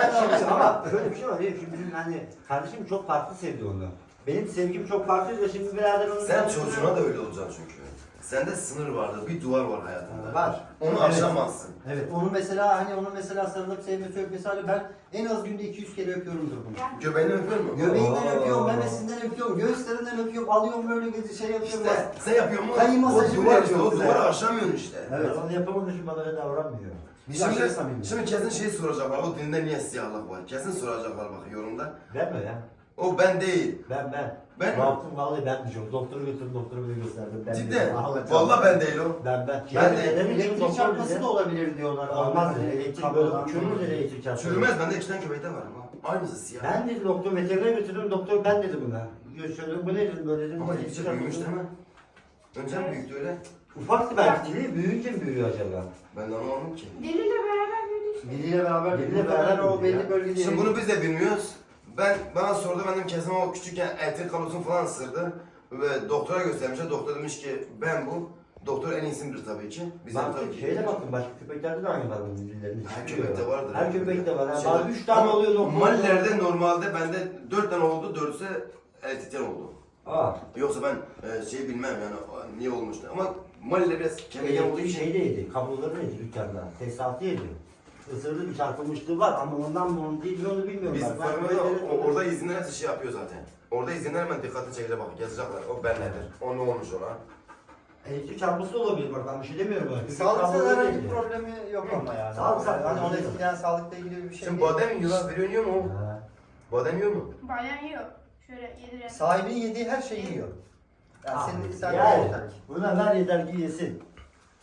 [SPEAKER 2] Ama şöyle bir şey var. Şimdi bizim hani kardeşim çok farklı sevdi onu. Benim sevgim çok farklıydı da şimdi birader onu...
[SPEAKER 1] Sen çocuğuna da öyle olacaksın çünkü. Sende sınır vardır, bir duvar var hayatında.
[SPEAKER 3] Var.
[SPEAKER 1] Onu
[SPEAKER 3] Evet.
[SPEAKER 1] aşamazsın.
[SPEAKER 3] Evet, onu mesela hani onu mesela sarılıp sevmesi öpmesi hani ben en az günde iki yüz kere öpüyorumdur bunu.
[SPEAKER 1] Göbeğini öpüyor musun?
[SPEAKER 3] Göbeğinden
[SPEAKER 2] Oo.
[SPEAKER 3] öpüyorum, memesinden öpüyorum, göğüslerinden öpüyorum, alıyorum böyle gezi şey yapıyorum.
[SPEAKER 1] İşte sen yapıyor musun?
[SPEAKER 3] Kayı masajı
[SPEAKER 1] O
[SPEAKER 3] bile
[SPEAKER 1] duvar işte, o
[SPEAKER 3] yapıyoruz
[SPEAKER 1] duvarı
[SPEAKER 3] ya.
[SPEAKER 1] aşamıyorsun işte.
[SPEAKER 3] Evet.
[SPEAKER 2] Evet. Onu yapamadığın için bana öyle davranmıyor.
[SPEAKER 3] Biz aşırı
[SPEAKER 1] Şimdi,
[SPEAKER 3] samimi.
[SPEAKER 1] şimdi kesin şey soracaklar, o dinde niye siyahlık var? Kesin soracaklar bak yorumda.
[SPEAKER 2] Ben mi ya?
[SPEAKER 1] O ben değil.
[SPEAKER 2] Ben ben.
[SPEAKER 1] Ben mi?
[SPEAKER 2] Baktım vallahi ben diyeceğim. Doktoru götürdüm, doktoru bile gösterdim. Ben
[SPEAKER 1] Cidden.
[SPEAKER 2] değilim. Vallahi
[SPEAKER 1] Vallahi ben değil o.
[SPEAKER 2] Ben ben.
[SPEAKER 1] Ben de-
[SPEAKER 2] Neden diyeceğim,
[SPEAKER 3] Elektrik
[SPEAKER 2] doktor
[SPEAKER 3] çarpması
[SPEAKER 2] bize-
[SPEAKER 3] da olabilir diyorlar.
[SPEAKER 2] Olmaz dedi.
[SPEAKER 3] Hani
[SPEAKER 2] Elektrik böyle
[SPEAKER 3] kablodan-
[SPEAKER 2] çürür dedi elektrik çarpması.
[SPEAKER 1] Çürümez, bende iki tane köpekte var ama. Aynısı siyah.
[SPEAKER 2] Ben dedi doktor veterinere götürdüm. Doktor ben dedi buna. Şöyle bu ne dedim böyle dedim.
[SPEAKER 1] Ama
[SPEAKER 2] elektrik
[SPEAKER 1] gittikçe büyümüş
[SPEAKER 2] çarpması.
[SPEAKER 1] değil mi? Önce mi büyüktü öyle?
[SPEAKER 2] Ufaktı belki dili. Büyüyünce mi büyüyor acaba?
[SPEAKER 1] Ben de anlamadım ki.
[SPEAKER 5] Deliyle beraber büyüdü işte.
[SPEAKER 3] Diliyle beraber,
[SPEAKER 2] Diliyle
[SPEAKER 3] diliyle
[SPEAKER 2] beraber
[SPEAKER 3] beraber o
[SPEAKER 2] büyüyor
[SPEAKER 3] belli
[SPEAKER 2] ya.
[SPEAKER 3] bölgede.
[SPEAKER 1] Şimdi bunu biz de bilmiyoruz. Ben bana sordu, ben dedim kesin o küçükken etin kablosunu falan ısırdı. Ve doktora göstermişler. Doktor demiş ki ben bu. Doktor en iyisidir tabii ki. Bizim
[SPEAKER 2] Ben
[SPEAKER 1] tabii ki.
[SPEAKER 2] şeyde baktım başka köpeklerde de aynı var bunun dillerini.
[SPEAKER 1] Her köpekte vardır.
[SPEAKER 2] Her köpekte var. Yani
[SPEAKER 1] Şey-
[SPEAKER 2] bazı üç tane
[SPEAKER 1] Ama
[SPEAKER 2] oluyor doktor.
[SPEAKER 1] Malilerde normalde bende dört tane oldu, dörtse eltiten oldu.
[SPEAKER 2] Aa.
[SPEAKER 1] Yoksa ben e, şey bilmem yani o, niye olmuştu ama Mali'de biraz kemiğe olduğu
[SPEAKER 2] Elektrik
[SPEAKER 1] için
[SPEAKER 2] şey de yedi, kabloları yedi dükkanda. Tesisatı yedi. Isırdı bir çarpılmışlığı var ama ondan mı onu değil mi onu bilmiyorum.
[SPEAKER 1] biz
[SPEAKER 2] ben. Ben
[SPEAKER 1] farkında
[SPEAKER 2] köpekleri-
[SPEAKER 1] o- orada izinler hepsi şey yapıyor zaten. Orada izinler hemen dikkatini çekecek bak yazacaklar. O ben nedir? O ne olmuş ona?
[SPEAKER 2] Elektrik çarpması da olabilir bak ben bir şey demiyorum buna. Köpek
[SPEAKER 3] Sağlıksal
[SPEAKER 2] kabloları
[SPEAKER 3] herhangi
[SPEAKER 2] yedi.
[SPEAKER 3] bir problemi yok ama yani.
[SPEAKER 2] Sağlıksal
[SPEAKER 3] Hani onu
[SPEAKER 2] problemi yok.
[SPEAKER 3] etkileyen sağlıkla ilgili bir şey
[SPEAKER 1] Şimdi
[SPEAKER 3] değil.
[SPEAKER 1] badem yiyor lan veriyor mu?
[SPEAKER 2] Ha.
[SPEAKER 1] Badem yiyor mu?
[SPEAKER 5] Bayan yiyor. Şöyle yediren.
[SPEAKER 3] Sahibinin yediği her şeyi yiyor. Yani
[SPEAKER 2] Aa,
[SPEAKER 3] senin sen
[SPEAKER 2] yani,
[SPEAKER 3] yeter ki.
[SPEAKER 2] buna ver yeter ki yesin.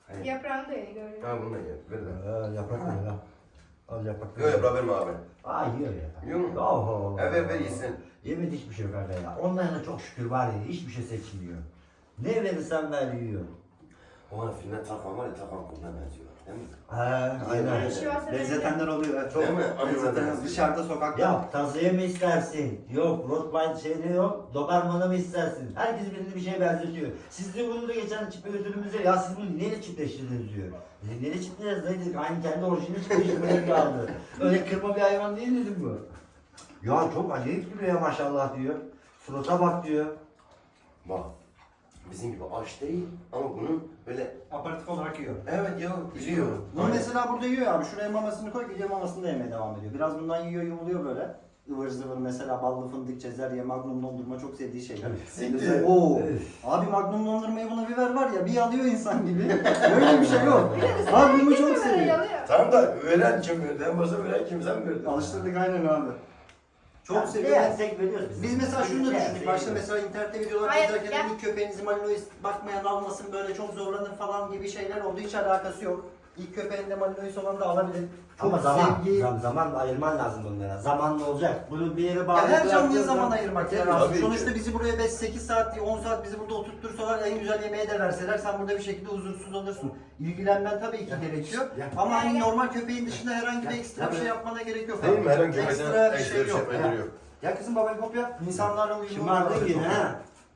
[SPEAKER 1] Hayır.
[SPEAKER 5] Yaprağını da yeni gördüm.
[SPEAKER 1] Ha bunu da ye. Ver de.
[SPEAKER 2] Ee, yaprak ver lan. Al yaprak ver.
[SPEAKER 1] Yok yaprağı verme abi.
[SPEAKER 2] Aa yiyor ya.
[SPEAKER 1] Yiyor mu?
[SPEAKER 2] Oho.
[SPEAKER 1] Ha ver ver yesin.
[SPEAKER 2] Yemedi hiçbir şey ver ya. Ondan yana çok şükür var ya hiçbir şey seçmiyor. Ne verirsen ver yiyor.
[SPEAKER 1] O an filmden Tarkan var ya Tarkan kuluna benziyor. Değil mi?
[SPEAKER 2] He aynen.
[SPEAKER 5] Bir şey varsa
[SPEAKER 3] Benzetenler oluyor. evet, Çok
[SPEAKER 1] Değil mi? Aynen.
[SPEAKER 3] benzeten dışarıda sokakta.
[SPEAKER 2] Ya tazıya mı istersin? Yok Rottweiler şeyini yok. Doberman'a mı istersin? Herkes birini bir şeye benzetiyor. Siz de bunu da geçen çiftlik ödülümüze ya siz bunu neyle çiftleştirdiniz diyor. Dedim neyle çiftleştirdiniz dayı dedik. Aynı kendi orijinali çiftleştirmeye kaldı. Öyle kırma bir hayvan değil dedim bu. Ya çok acayip duruyor ya maşallah diyor. Surata bak diyor.
[SPEAKER 1] Bak. Bizim gibi aç değil ama bunun böyle
[SPEAKER 3] Aparatif olarak yiyor.
[SPEAKER 1] evet ya biliyor.
[SPEAKER 3] Bunu mesela burada yiyor abi. Şuraya mamasını koy, gidiyor mamasını da yemeye devam ediyor. Biraz bundan yiyor, yumuluyor böyle. Ivır zıvır mesela ballı fındık, cezerye, magnum dondurma çok sevdiği şeyler.
[SPEAKER 1] Siktir.
[SPEAKER 3] Oo. Abi magnum dondurmayı buna bir ver var ya bir alıyor insan gibi. Öyle bir şey yok. Abi bunu çok seviyor.
[SPEAKER 1] Tamam da öğren kim verdi? En başta öğren kim sen mi verdin?
[SPEAKER 3] Alıştırdık aynen abi. Çok
[SPEAKER 2] Ya,
[SPEAKER 3] seviyor.
[SPEAKER 2] ne tek veriyoruz biz.
[SPEAKER 3] Biz mesela şunu da
[SPEAKER 2] Ne
[SPEAKER 3] düşündük. Başta
[SPEAKER 2] veriyoruz?
[SPEAKER 3] mesela internette videolar
[SPEAKER 5] Hayır,
[SPEAKER 3] izlerken
[SPEAKER 5] ya.
[SPEAKER 3] ilk köpeğinizi Malinois bakmayan almasın böyle çok zorlanır falan gibi şeyler oldu. Hiç alakası yok. İlk köpeğinde Malinois olan da alabilir. Çok
[SPEAKER 2] Ama zaman,
[SPEAKER 3] sevgi.
[SPEAKER 2] zaman, zaman ayırman lazım bunlara. Zamanla olacak. Bunu bir yere bağlı.
[SPEAKER 3] Ya her canlıya
[SPEAKER 2] bıraktığın
[SPEAKER 3] zaman ayırmak lazım.
[SPEAKER 1] Tabii ki.
[SPEAKER 3] Sonuçta bizi buraya beş sekiz saat, on saat bizi burada oturtursalar en güzel yemeğe de verseler sen burada bir şekilde huzursuz olursun. İlgilenmen tabii ki gerekiyor.
[SPEAKER 2] Ya.
[SPEAKER 3] Ama hani normal köpeğin dışında herhangi bir ekstra bir şey yapmana gerek yok.
[SPEAKER 1] Değil mi? Herhangi bir
[SPEAKER 3] Ekstra
[SPEAKER 1] ekstra
[SPEAKER 3] bir
[SPEAKER 1] bir
[SPEAKER 3] şey
[SPEAKER 1] şey
[SPEAKER 3] yok.
[SPEAKER 1] yapmaya yok.
[SPEAKER 3] Ya kızım babayı kopya. İnsanlarla uyumlu
[SPEAKER 2] Şımardın
[SPEAKER 3] olmaları
[SPEAKER 2] yine
[SPEAKER 3] çok
[SPEAKER 2] ha.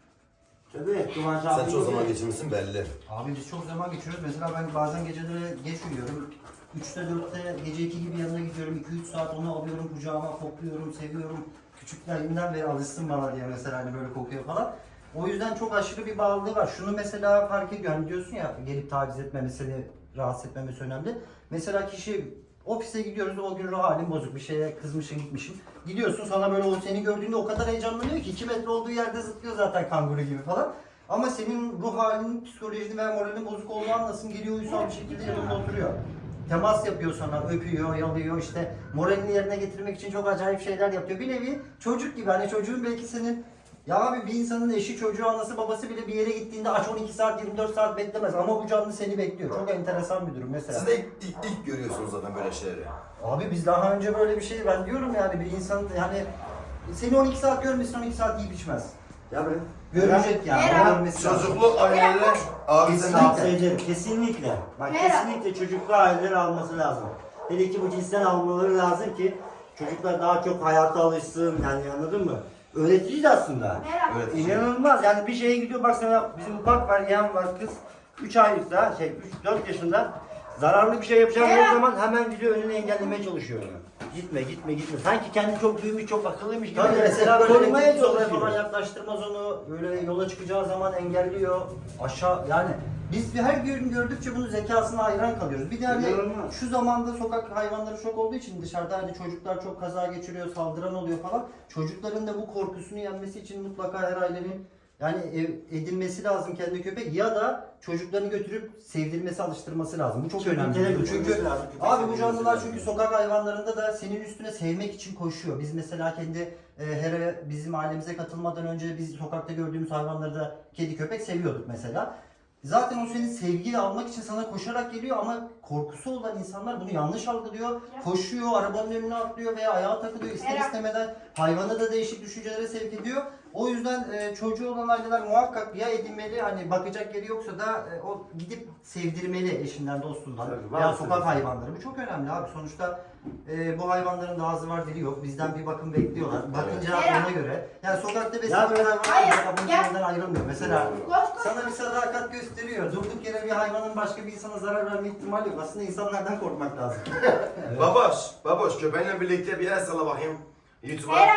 [SPEAKER 2] Tabii Kıvanç
[SPEAKER 1] Sen
[SPEAKER 2] abi
[SPEAKER 1] çok
[SPEAKER 2] gibi.
[SPEAKER 1] zaman geçirmişsin belli.
[SPEAKER 3] Abi biz çok zaman geçiriyoruz. Mesela ben bazen geceleri geç uyuyorum. üçte dörtte gece iki gibi yanına gidiyorum. iki üç saat onu alıyorum kucağıma, kokluyorum, seviyorum. Küçüklerinden beri alışsın bana diye mesela hani böyle kokuyor falan. O yüzden çok aşırı bir bağlılığı var. Şunu mesela fark ediyor. Hani diyorsun ya gelip taciz etmemesi, seni rahatsız etmemesi önemli. Mesela kişi ofise gidiyoruz o gün ruh halin bozuk bir şeye kızmışsın gitmişsin. Gidiyorsun sana böyle o seni gördüğünde o kadar heyecanlanıyor ki iki metre olduğu yerde zıplıyor zaten kanguru gibi falan. Ama senin ruh halinin, psikolojinin veya moralinin bozuk olduğunu anlasın geliyor uysal bir şekilde yanında oturuyor. Temas yapıyor sana, öpüyor, yalıyor işte moralini yerine getirmek için çok acayip şeyler yapıyor. Bir nevi çocuk gibi hani çocuğun belki senin ya abi bir insanın eşi, çocuğu, anası, babası bile bir yere gittiğinde aç on iki saat, yirmi dört saat beklemez ama bu canlı seni bekliyor. Çok enteresan bir durum mesela.
[SPEAKER 1] Siz de ilk, ilk, ilk görüyorsunuz zaten böyle şeyleri.
[SPEAKER 3] Abi biz daha önce böyle bir şey ben diyorum yani bir insan yani seni on iki saat görmesin on iki saat yiyip içmez.
[SPEAKER 2] Ya böyle.
[SPEAKER 3] Görecek yani.
[SPEAKER 5] Merhaba.
[SPEAKER 3] Görmesi lazım.
[SPEAKER 1] Çocuklu aileler abi sen
[SPEAKER 3] Kesinlikle.
[SPEAKER 2] Tavsiye ederim. Kesinlikle. Bak
[SPEAKER 5] Merhaba.
[SPEAKER 2] kesinlikle çocuklu aileler alması lazım. Hele ki bu cinsten almaları lazım ki çocuklar daha çok hayata alışsın yani anladın mı? Öğretici de aslında.
[SPEAKER 5] Merhaba.
[SPEAKER 1] Evet.
[SPEAKER 2] İnanılmaz yani bir şeye gidiyor bak sana bizim ufak var yeğen var kız üç aylıkta şey üç dört yaşında zararlı bir şey yapacağım
[SPEAKER 5] Merhaba.
[SPEAKER 2] o zaman hemen gidiyor önüne engellemeye çalışıyor onu. Gitme gitme gitme. Sanki kendi çok büyümüş çok akıllıymış gibi.
[SPEAKER 3] Tabii mesela böyle
[SPEAKER 2] korumaya
[SPEAKER 3] elektrik yoluna
[SPEAKER 2] çalışıyor.
[SPEAKER 3] falan yaklaştırmaz onu. Böyle yola çıkacağı zaman engelliyor. Aşağı yani biz bir her gün gördükçe bunun zekasına hayran kalıyoruz. Bir de hani
[SPEAKER 2] İnanılmaz.
[SPEAKER 3] şu zamanda sokak hayvanları çok olduğu için dışarıda hani çocuklar çok kaza geçiriyor, saldıran oluyor falan. Çocukların da bu korkusunu yenmesi için mutlaka her ailenin yani ev- edinmesi lazım kendi köpek ya da çocuklarını götürüp sevdirmesi, alıştırması lazım. Bu çok
[SPEAKER 2] Köpeklere
[SPEAKER 3] önemli.
[SPEAKER 2] götürmesi
[SPEAKER 3] Çünkü
[SPEAKER 2] lazım, köpek
[SPEAKER 3] abi bu
[SPEAKER 2] sevdirmesi
[SPEAKER 3] canlılar
[SPEAKER 2] lazım.
[SPEAKER 3] çünkü sokak hayvanlarında da senin üstüne sevmek için koşuyor. Biz mesela kendi e, her bizim ailemize katılmadan önce biz sokakta gördüğümüz hayvanları da kedi köpek seviyorduk mesela. Zaten o senin sevgiyle almak için sana koşarak geliyor ama korkusu olan insanlar bunu yanlış algılıyor. Koşuyor, arabanın önüne atlıyor veya ayağa takılıyor ister
[SPEAKER 5] Merhaba.
[SPEAKER 3] istemeden hayvanı da değişik düşüncelere sevk ediyor. O yüzden e, çocuğu olan aileler muhakkak ya edinmeli hani bakacak yeri yoksa da e, o gidip sevdirmeli eşinden dostundan
[SPEAKER 2] Tabii,
[SPEAKER 3] veya
[SPEAKER 2] var
[SPEAKER 3] sokak
[SPEAKER 2] tabii.
[SPEAKER 3] hayvanları. Bu çok önemli abi. Sonuçta e, bu hayvanların da ağzı var dili yok. Bizden bir bakım bekliyorlar. Bakınca
[SPEAKER 5] Evet.
[SPEAKER 3] ona göre. Yani sokakta
[SPEAKER 2] Ya
[SPEAKER 3] beslenen
[SPEAKER 2] böyle-
[SPEAKER 3] hayvanlar
[SPEAKER 5] Hayır,
[SPEAKER 3] mesela bunun
[SPEAKER 5] gel.
[SPEAKER 3] içinden ayrılmıyor. Mesela
[SPEAKER 5] Koş koş.
[SPEAKER 3] sana bir sadakat gösteriyor. Durduk yere bir hayvanın başka bir insana zarar verme ihtimali yok. Aslında insanlardan korkmak lazım.
[SPEAKER 1] Baboş, baboş köpeğinle birlikte bir el salla bakayım. YouTube'a.
[SPEAKER 5] Merhaba.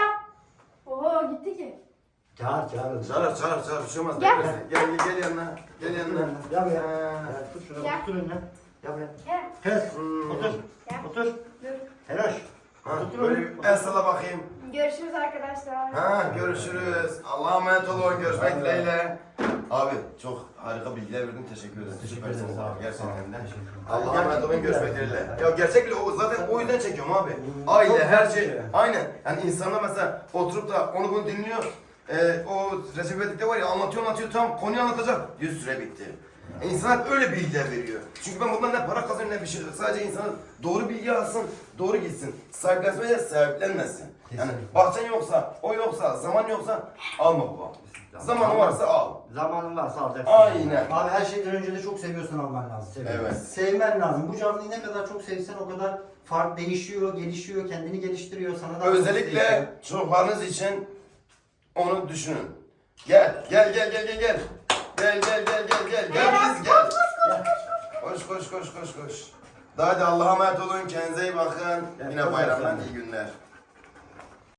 [SPEAKER 5] Oho gitti ki.
[SPEAKER 2] Çağır çağır.
[SPEAKER 1] Çağır çağır çağır bir şey olmaz.
[SPEAKER 5] Gel.
[SPEAKER 1] Gel gel gel yanına. Gel yanına.
[SPEAKER 2] Gel buraya.
[SPEAKER 1] Ha.
[SPEAKER 2] Gel, Tut şunu
[SPEAKER 5] Gel.
[SPEAKER 2] otur önüne. Gel buraya.
[SPEAKER 5] Gel.
[SPEAKER 2] Kes.
[SPEAKER 1] Hmm.
[SPEAKER 2] Otur.
[SPEAKER 5] Gel.
[SPEAKER 2] Otur.
[SPEAKER 5] Dur.
[SPEAKER 2] Helal.
[SPEAKER 1] Ha,
[SPEAKER 2] Otur
[SPEAKER 1] böyle
[SPEAKER 2] oğlum.
[SPEAKER 1] bir el salla bakayım.
[SPEAKER 5] Görüşürüz arkadaşlar.
[SPEAKER 1] Ha görüşürüz. Allah'a emanet olun. Görüşmek dileğiyle. Abi çok harika bilgiler verdin. Teşekkür ederim. Süpersiniz abi gerçekten de. Allah'a emanet olun. Görüşmek dileğiyle. Ya gerçekle o zaten o yüzden çekiyorum abi. Aile her şey. Aynen. Yani insanlar mesela oturup da onu bunu dinliyor. Ee, o Recep İvedik'te var ya anlatıyor anlatıyor tam konuyu anlatacak. Yüz süre bitti. E, İnsan hep öyle bilgiler veriyor. Çünkü ben bundan ne para kazanıyorum ne bir şey. Sadece insanın doğru bilgi alsın, doğru gitsin. Sahiplenmeye sahiplenmesin. Yani
[SPEAKER 3] Kesinlikle.
[SPEAKER 1] bahçen yoksa, o yoksa, zaman yoksa alma baba. Zamanı varsa al.
[SPEAKER 2] Zamanın varsa alacaksın.
[SPEAKER 1] Aynen.
[SPEAKER 3] Abi her şeyden önce de çok seviyorsan alman lazım.
[SPEAKER 2] Seviyorum.
[SPEAKER 1] Evet.
[SPEAKER 3] Sevmen lazım. Bu canlıyı ne kadar çok sevsen o kadar fark değişiyor, gelişiyor, kendini geliştiriyor. Sana da
[SPEAKER 1] Özellikle çocuklarınız için onu düşünün. Gel, gel, gel, gel, gel, gel. Gel, gel, gel, gel, gel. Gel biz gel. Koş, koş, koş, koş, koş. Daha da Allah'a emanet olun. Kendinize iyi bakın. Yine bayramdan iyi günler.